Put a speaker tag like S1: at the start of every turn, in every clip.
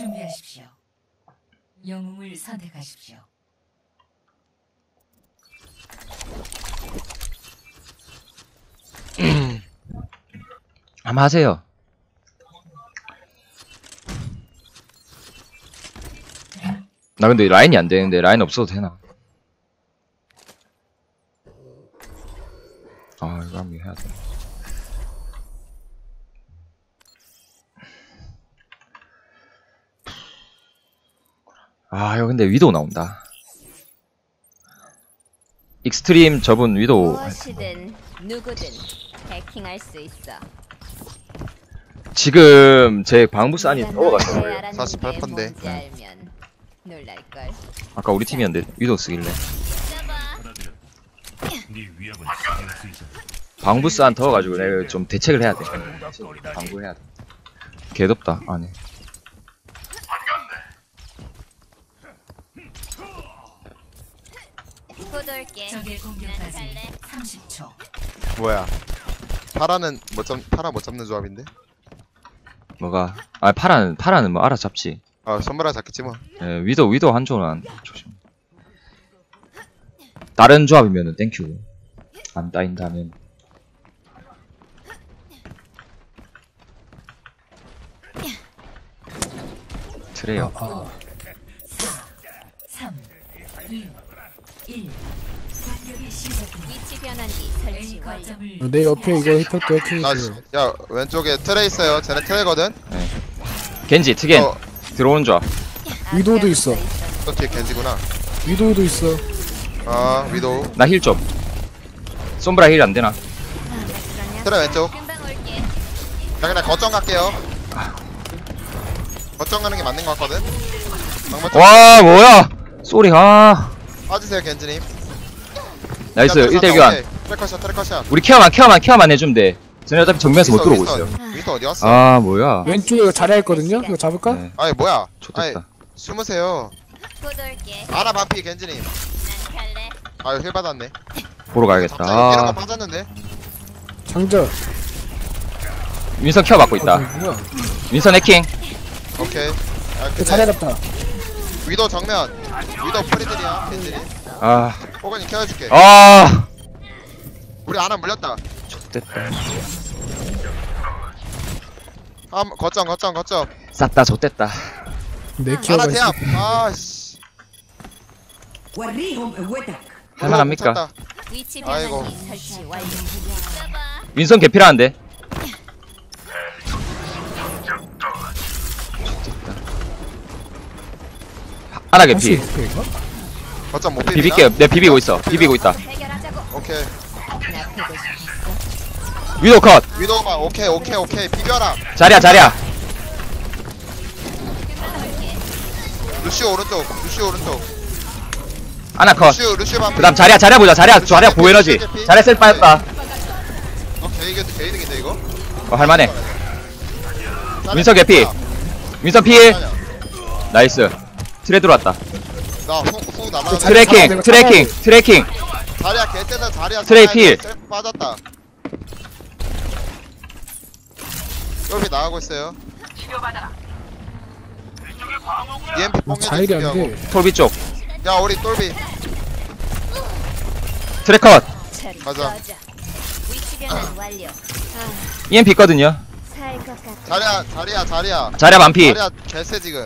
S1: 준비하십시오. 영웅을 선택하십시오.
S2: 한번 하세요. 나 근데 라인이 안 되는데 라인 없어도 되나? 아 이거 한번 해야 돼. 아 이거 근데 위도우 나온다. 익스트림 저분 위도우.
S3: 무엇이든 누구든 해킹할 수 있어.
S2: 지금 제 방부산이 떠가지고
S4: 48%인데.
S3: 놀랄걸.
S2: 아까 우리 팀이었는데 위도우 쓰길래 방부산 더워가지고 내가 좀 대책을 해야 돼. 방구해야 돼. 개덥다 안에.
S1: 적의 공격까지 30초.
S4: 뭐야? 파라는 파라 못 잡는 조합인데?
S2: 뭐가? 아 파라는 뭐 알아서 잡지.
S4: 아 선물아 잡겠지 뭐.
S2: 예, 위도우 한조는 조심. 다른 조합이면은 땡큐. 안 따인다면. 트레요.
S1: 3, 2, 1. 공격이 시작됩니다.
S3: 위치 변환기 설치 완료.
S1: 거점을
S5: 내 옆에 이거 힙합도 해킹했어요.
S4: 야 왼쪽에 트레 있어요. 쟤네 트레거든.
S2: 네. 겐지 트겐
S4: 어.
S2: 들어오는 조합.
S5: 위도우도 있어.
S4: 또 뒤에 겐지구나.
S5: 위도우도 있어.
S4: 아 위도우.
S2: 나 힐 좀. 솜브라 힐 안 되나?
S4: 트레 왼쪽.
S3: 금방 올게.
S4: 자 그냥 거점 갈게요. 거점 가는 게 맞는 것 같거든. 방금
S2: 와 뭐야? 쏘리 아.
S4: 빠지세요 겐지님.
S2: 나이스 1대1 교환.
S4: 트래커샷.
S2: 우리 케어만 해주면 돼. 쟤네 어차피 정면에서 못 들어오고 있어요.
S4: 위도 어디 갔어?
S2: 아 뭐야?
S5: 왼쪽에 이거 자리야 있거든요. 이거 잡을까?
S2: 네,
S4: 아니 뭐야? 아니
S2: 좋겠다.
S4: 숨으세요.
S3: 곧 올게.
S4: 아나 반피 겐지님.
S3: 난 갈래.
S4: 아유 힐 받았네.
S2: 보러 가야겠다.
S4: 갑자기 이런 거
S2: 아,
S4: 빠졌는데.
S5: 장전.
S2: 윈선 케어 받고 있다.
S5: 뭐야?
S2: 윈선 해킹.
S4: 오케이. 아,
S5: 그 자리야 잡다.
S4: 위도 정면. 위도 프리들이야 겐지님.
S2: 아,
S4: 호건이 케어줄게.
S2: 아,
S4: 우리 아나 물렸다.
S2: 됐다.
S4: 거점.
S5: 내
S2: 싹다 좆됐다.
S4: 아나
S5: 키워가
S4: 대합.
S5: 있어.
S4: 아씨.
S2: 할만합니까?
S3: 위치
S4: 아이고.
S3: 변환기 설치 완료.
S2: 윈선 개필하는데. 하나 개피.
S5: 이거?
S4: 거점 못 비비나?
S2: 비빌게요. 내 비비고 있어. 비비고 있다.
S3: 해결하자고.
S4: 오케이.
S3: 나 보고 싶었어.
S2: 위도 컷.
S4: 위도가 오케이. 비벼라.
S2: 자리야.
S4: 루시오 오른쪽.
S2: 하나 컷.
S4: 루시오 반피.
S2: 그다음 자리야 보자. 자리야 보에너지. 자리야 셀 빠졌다.
S4: 개이득인데 이거?
S2: 할만해. 윈선 개피. 윈선 필. 나이스. 트레 들어왔다.
S4: 나후 남아.
S2: 트래킹.
S4: 자리야 개떼다 자리야.
S2: 트레이 필.
S4: 셀프 빠졌다. 여기 나가고 있어요. EMP 뽕
S5: 자일이 안 돼.
S2: 톨비 쪽.
S4: 야 우리 똘비
S2: 트레 컷.
S4: 가자.
S3: 위치 변환 완료.
S2: EMP 있거든요.
S3: 살 것 같아.
S4: 자리야.
S2: 자리야 반피.
S4: 자리야 개쎄 지금.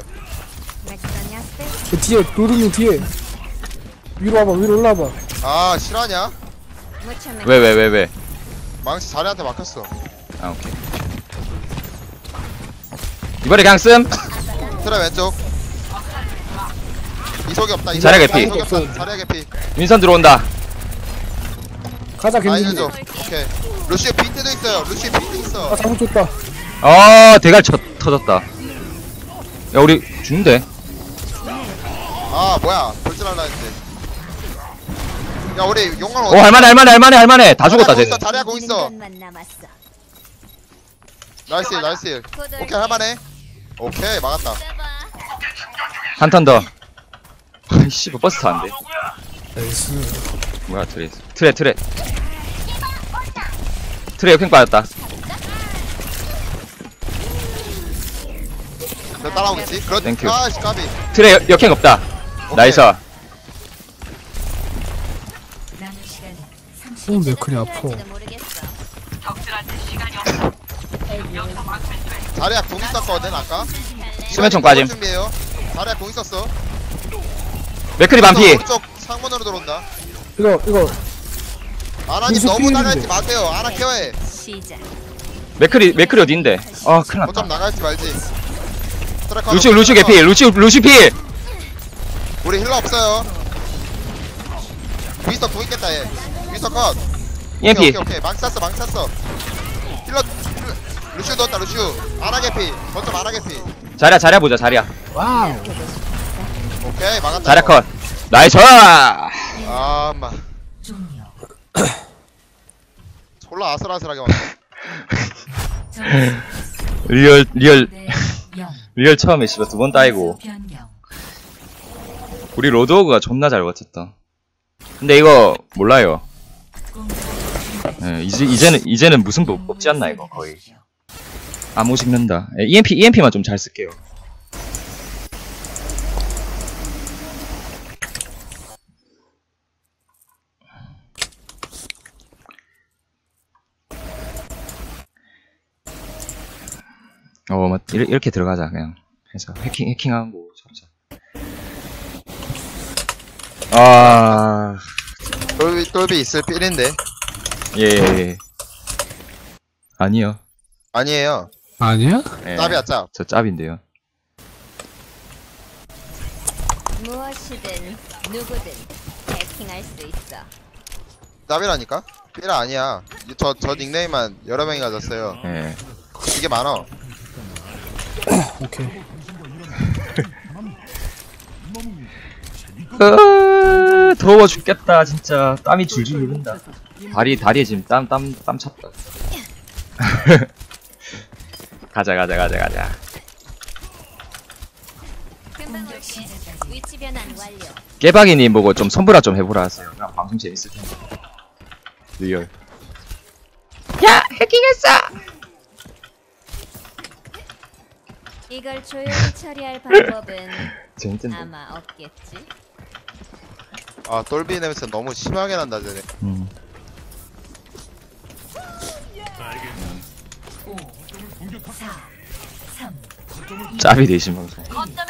S5: 그 뒤에 로드님 뒤에. 위로 와봐. 위로 올라와봐.
S4: 아 실화냐?
S2: 왜?
S4: 망치 자리한테 막혔어.
S2: 아 오케이. 이번에 그냥 씀.
S4: 트레 왼쪽. 이속이 없다.
S2: 자리야 개피.
S4: 이속이 없다. 자리야 개피.
S2: 윈선 들어온다.
S5: 가자
S4: 라인
S5: 겐지.
S4: 왼쪽. 오케이. 루시오 비트도 있어요. 있어.
S5: 아 잘못 줬다.
S2: 아 대갈 터졌다. 야 우리 죽는데.
S4: 아 뭐야 돌진할라 했는데. 야 우리 용광
S2: 오 할만해. 다 죽었다 쟤.
S4: 자리야 공 있어.
S3: 남았어.
S4: 나이스. 오케이 할만해. 오케이 막았다.
S2: 한 턴 더. 아이씨 버스 타는데.
S5: 나이스.
S2: 뭐야 트레. 트레 역행 빠졌다.
S4: 됐다. 따라오겠지? 그렇
S2: 땡큐.
S4: 아씨 까비.
S2: 트레 역행 없다. 나이스.
S1: 남은 시간 30초.
S5: 맥클이 아파.
S3: 필요할지도 모르겠어.
S4: 자리야 공 있었거든 아까.
S2: 수면총 빠짐.
S4: 준비해요. 자리야 공 있었어.
S2: 맥크리 반피.
S4: 오른쪽 상문으로 들어온다.
S5: 이거
S4: 아나님
S5: 무슨
S4: 너무
S5: 필인데?
S4: 나가지 마세요. 아나 케어해.
S3: 시작.
S2: 맥크리 어디인데? 아 큰일
S4: 거점
S2: 났다.
S4: 나갈지 말지. 트래커
S2: 루시우 개피. 루시우 필.
S4: 우리 힐러 없어요. 위스터 공 있겠다 얘. 위스터 컷.
S2: EMP.
S4: 오케이 망 쐈어. 힐러 루시우 넣었다 루시우. 아나 개피. 거점 아나 개피.
S2: 자리야 보자 자리야.
S5: 와우.
S4: 오케이 막았다.
S2: 자리야
S4: 이거.
S2: 컷. 나이스.
S4: 아 마.
S1: 종료.
S4: 졸라 아슬아슬하게 왔네.
S1: 점수
S2: 리얼
S1: 대 0.
S2: 처음에 씨발 2번 따이고.
S1: 변경.
S2: 우리 로드호그가 존나 잘 버텼다. 근데 이거 몰라요. 예, 이제는 무슨 법 뽑지 않나 이거 거의. 암호 식는다. 예, EMP만 좀 잘 쓸게요. 이렇게 들어가자 그냥 해서 해킹하고 잡자. 아,
S4: 똘비 있을 필인데.
S2: 예. 아니요.
S4: 아니에요.
S5: 아니야?
S2: 예,
S4: 짭이야 짭.
S2: 저 짭인데요.
S3: 무엇이든 누구든 해킹할 수 있어.
S4: 짭이라니까? 필 아니야. 저 닉네임만 여러 명이 가졌어요.
S2: 예.
S4: 이게 많어.
S5: 오케이.
S2: 더워 죽겠다 진짜. 땀이 줄줄 흐른다. 다리에 지금 땀 찼다. 가자.
S3: 금방 올게. 위치 변환 완료.
S2: 깨박이님 보고 좀 선불화 좀 해보라 하세요. 그냥 방송 재밌을 텐데. 리얼. 야 해킹했어.
S3: 이걸 조용히 처리할 방법은
S2: 재밌던데.
S3: 아마 없겠지.
S4: 아 똘비 냄새 너무 심하게 난다 쟤네.
S1: 5, 4, 3.
S2: 짭이 되신 방송.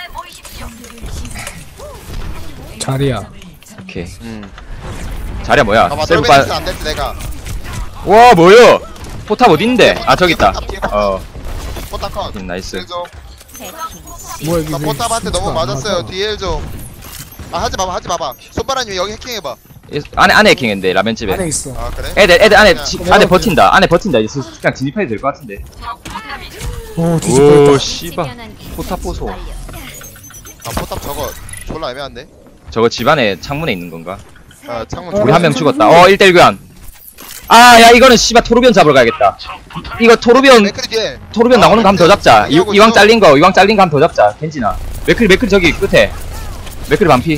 S5: 자리야.
S2: 오케이. 자리야 뭐야?
S4: 봐봐
S2: 세브
S4: 똘비
S2: 빠.
S4: 냄새 안 됐지 내가.
S2: 와 뭐야? 포탑 어딘데? 아 저기 있다.
S4: 포탑 컷.
S2: 나이스.
S4: 힐좀.
S3: 해킹.
S5: 뭐야 이게?
S4: 나 포탑한테 너무
S5: 안
S4: 맞았어요.
S5: 맞아.
S4: 뒤에 좀. 아 하지 마봐. 손바람님 여기 해킹해봐.
S2: 안에 해킹했는데 라면집에.
S5: 안에 있어.
S4: 아 그래?
S2: 애들 안에
S4: 그냥
S2: 안에 버틴다. 안에 버틴다. 이제 그냥 진입해도 될 것 같은데.
S5: 오 뒤집어졌다.
S2: 오
S3: 위치
S2: 씨발.
S3: 변환기
S2: 포탑 보소.
S3: 완료.
S4: 아 포탑 저거 졸라 애매한데?
S2: 저거 집안에 창문에 있는 건가?
S4: 아 창문
S2: 우리
S4: 졸라
S2: 한 명 죽었다. 1대1 교환. 아, 야, 이거는 씨발 토르비온 잡으러 가야겠다. 이거 토르비온
S4: 맥크리 뒤에.
S2: 나오는 거 한 번 더 잡자.
S4: 얘기하고
S2: 이왕
S4: 있어.
S2: 잘린 거 한 번 더 잡자. 겐지나. 맥크리 저기 끝에. 맥크리 반피.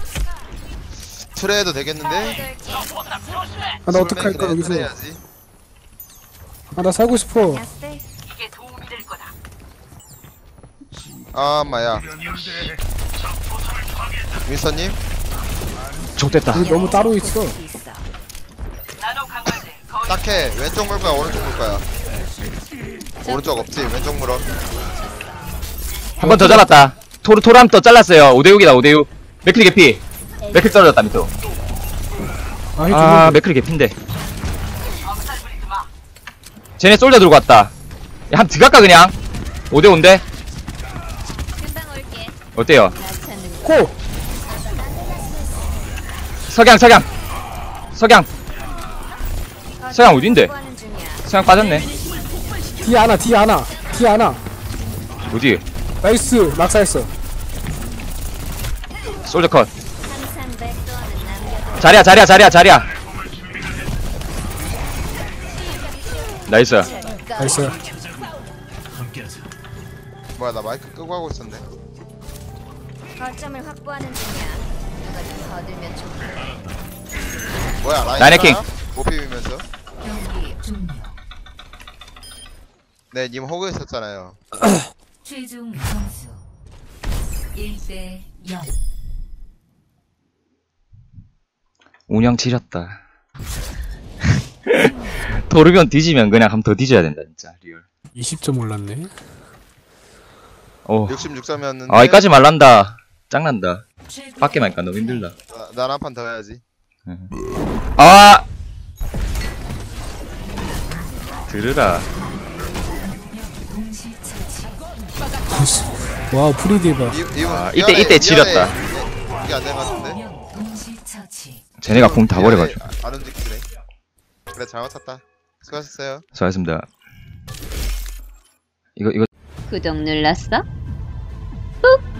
S4: 트레해도 되겠는데?
S5: 아, 나 어떡할까 여기서.
S4: 트레해야지.
S5: 아, 나 살고 싶어.
S3: 야스.
S4: 아 마야. 윈서님?
S2: 족됐다.
S5: 우리 너무 따로 있어.
S3: 있어.
S4: 딱해. 왼쪽 물 거야 오른쪽 물 거야? 오른쪽 없지. 왼쪽 물어.
S2: 한 번 더 잡았다. 토르함 또 잘랐어요. 5대6이다 5대6. 맥크리 개피. 맥크리 떨어졌다 밑으로. 아, 맥크리 개피인데. 쟤네 솔져 들고 왔다. 야, 한 들어갈까 그냥? 5대5인데?
S3: 금방 올게.
S2: 어때요?
S3: 나 찾는 거.
S5: 고!
S2: 석양 어딘데?
S3: 뭐 하는 중이야?
S2: 석양 빠졌네.
S5: 뒤에 하나.
S2: 어디?
S5: 나이스. 낙사했어.
S2: 솔저 컷.
S3: 항상 백도어는 남겨둬.
S2: 자리야. 나이스.
S5: 나이스.
S4: 뭐야 나 마이크 끄고 하고 있었네.
S3: 거점을 확보하는 중이야. 누가 좀 거들면 좋겠네.
S4: 뭐야 라인
S2: 라인 해킹.
S4: 못 비비면서.
S1: 경기 종료.
S4: 네 님 호그 했었잖아요.
S1: 최종 점수 1대 0.
S2: 운영 지렸다. 토르비온 뒤지면 그냥 한 번 더 뒤져야 된다 진짜 리얼.
S5: 20점 올랐네.
S2: 어.
S4: 66점이었는데
S2: 아 이까지 말란다. 짱난다. 밖에 말까 너무 힘들다.
S4: 난 한 판 더 해야지.
S2: 아! 들으라.
S1: 동시 처치.
S5: 와우 프리디바.
S2: 아, 이때 지렸다.
S4: 이게 안 될 것 같은데?
S1: 동시 처치.
S2: 쟤네가 공 다 버려가지고.
S4: 안 움직이네. 그래 잘 맞췄다. 수고하셨어요.
S2: 수고하셨습니다. 이거
S3: 구독 눌렀어? 꾹!